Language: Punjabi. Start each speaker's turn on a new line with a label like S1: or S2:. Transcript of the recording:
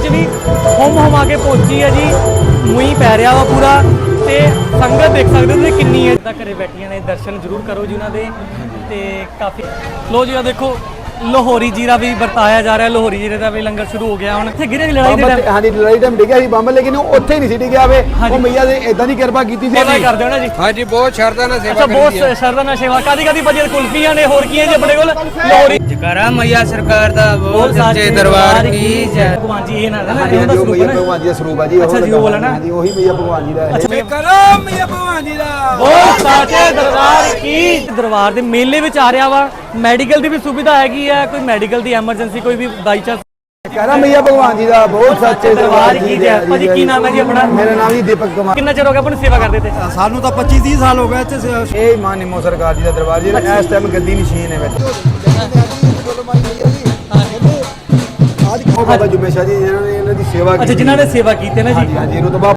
S1: 'ਚ ਵੀ ਹੁਮ ਕੇ ਪਹੁੰਚੀ ਹੈ ਜੀ। ਮੂੰਹ ਪੈ ਰਿਹਾ ਵਾ ਪੂਰਾ ਤੇ ਸੰਗਤ ਦੇਖ ਸਕਦੇ ਹੋ ਤੁਸੀਂ ਕਿੰਨੀ ਹੈ। ਤਾਂ ਘਰੇ ਬੈਠੀਆਂ ਨੇ, ਦਰਸ਼ਨ ਜ਼ਰੂਰ ਕਰੋ ਜੀ ਉਹਨਾਂ ਦੇ। ਤੇ ਕਾਫੀ ਲੋ ਜੀ ਆ ਦੇਖੋ ਲਾਹੌਰੀ ਜੀਰਾ ਵੀ ਵਰਤਾਇਆ ਜਾ ਰਿਹਾ। ਲਾਹੌਰੀ ਜੀਰੇ ਦਾ ਵੀ ਲੰਗਰ ਸ਼ੁਰੂ ਹੋ ਗਿਆ। ਹੁਣ ਇੱਥੇ ਗਿਰੇ ਲੜਾਈ ਦੇ ਟਾਈਮ,
S2: ਹਾਂਜੀ ਲੜਾਈ ਟਾਈਮ ਡਿੱਗਿਆ ਸੀ ਬੰਬ, ਲੇਕਿਨ ਉਹ ਉੱਥੇ ਹੀ ਨਹੀਂ ਸੀ ਡਿੱਗਿਆ ਵੇ। ਉਹ ਮਈਆ ਦੇ ਇਦਾਂ ਦੀ ਕਿਰਪਾ ਕੀਤੀ ਸੀ।
S1: ਸੇਵਾ ਕਰਦੇ ਹੋ ਨਾ ਜੀ?
S3: ਹਾਂਜੀ ਬਹੁਤ ਸ਼ਰਧਾ ਨਾਲ ਸੇਵਾ
S1: ਅੱਛਾ, ਬਹੁਤ ਸ਼ਰਧਾ ਨਾਲ ਸੇਵਾ। ਕਾਦੀ ਭਾਜੀ ਕੁਲਫੀਆਂ ਨੇ, ਹੋਰ ਕੀ ਹੈ ਜੀ ਆਪਣੇ ਕੋਲ? ਲਾਹੌਰੀ
S3: ਜਕਾਰਾ ਮਈਆ ਸਰਕਾਰ ਦਾ ਬਹੁਤ ਸੱਚੇ ਦਰਬਾਰ ਕੀ ਜੈ।
S1: ਭਗਵਾਨ ਜੀ ਇਹ ਨਾ ਨਾ
S2: ਹਾਂਜੀ
S1: ਉਹਦਾ
S2: ਉਹ
S1: ਸਰੂਪ
S2: ਮਈਆ
S1: ਹੈ ਨਾ।
S2: ਭਗਵਾਨ ਜੀ ਦਾ ਸਰੂਪ ਆ ਜੀ।
S1: ਅੱਛਾ ਜੀ, ਉਹ ਵਾਲਾ ਨਾ।
S2: ਹਾਂਜੀ ਉਹੀ ਮਈਆ ਭਗਵਾਨ ਜੀ ਦਾ ਹੈ।
S3: ਜਕਾਰਾ ਮਈਆ ਭਗਵਾਨ ਜੀ ਦਾ
S1: ਬਹੁਤ ਸਾਚੇ ਦਰਬਾਰ ਕੀ। ਦਰਬਾਰ ਦੇ ਮੇਲੇ ਵਿੱਚ ਆ ਰਿਹਾ ਵਾ। ਮੈਡੀਕਲ ਦੀ ਵੀ ਸੁਵਿਧਾ ਹੈਗੀ ਹੈ। ਕੋਈ ਮੈਡੀਕਲ ਦੀ ਐਮਰਜੈਂਸੀ ਕੋਈ ਵੀ ਬਾਈ ਚਾਂਸ
S2: ਜਕਾਰਾ ਮਈਆ ਭਗਵਾਨ ਜੀ ਦਾ ਬਹੁਤ ਸੱਚੇ
S1: ਦਰਬਾਰ ਕੀ ਜੈ। ਭਾਜੀ ਕੀ ਨਾਮ ਹੈ ਜੀ ਆਪਣਾ?
S2: ਮੇਰਾ ਨਾਮ ਜੀ ਦੀਪਕ ਕੁਮਾਰ।
S1: ਕਿੰਨਾ ਚਿਰ ਹੋ ਗਿਆ ਆਪਾਂ ਨੂੰ ਸੇਵਾ ਕਰਦੇ ਤੇ?
S3: ਸਾਨੂੰ ਤਾਂ 25-30 ਸਾਲ ਹੋ ਗਏ ਇੱਥੇ।
S2: ਇਹ ਮਾਨ ਨਿੰਮੋ ਸਰਕਾਰ ਜੀ ਦਾ ਦਰਬਾਰ ਜੀ। ਇਸ ਟਾਈਮ ਗੱਦੀ ਨਸ਼ੀਨ ਹੈ ਵਿੱਚ। ਉਹ ਬਾਬਾ ਜੁਮੇ ਸ਼ਾਹ ਜੀ ਜਿਨ੍ਹਾਂ ਨੇ ਇਹਨਾਂ ਦੀ ਸੇਵਾ ਕੀਤੀ।
S1: ਅੱਛਾ, ਜਿਨ੍ਹਾਂ ਨੇ ਸੇਵਾ ਕੀਤੀ ਨਾ ਜੀ।
S2: ਹਾਂਜੀ ਰੁਤਬਾ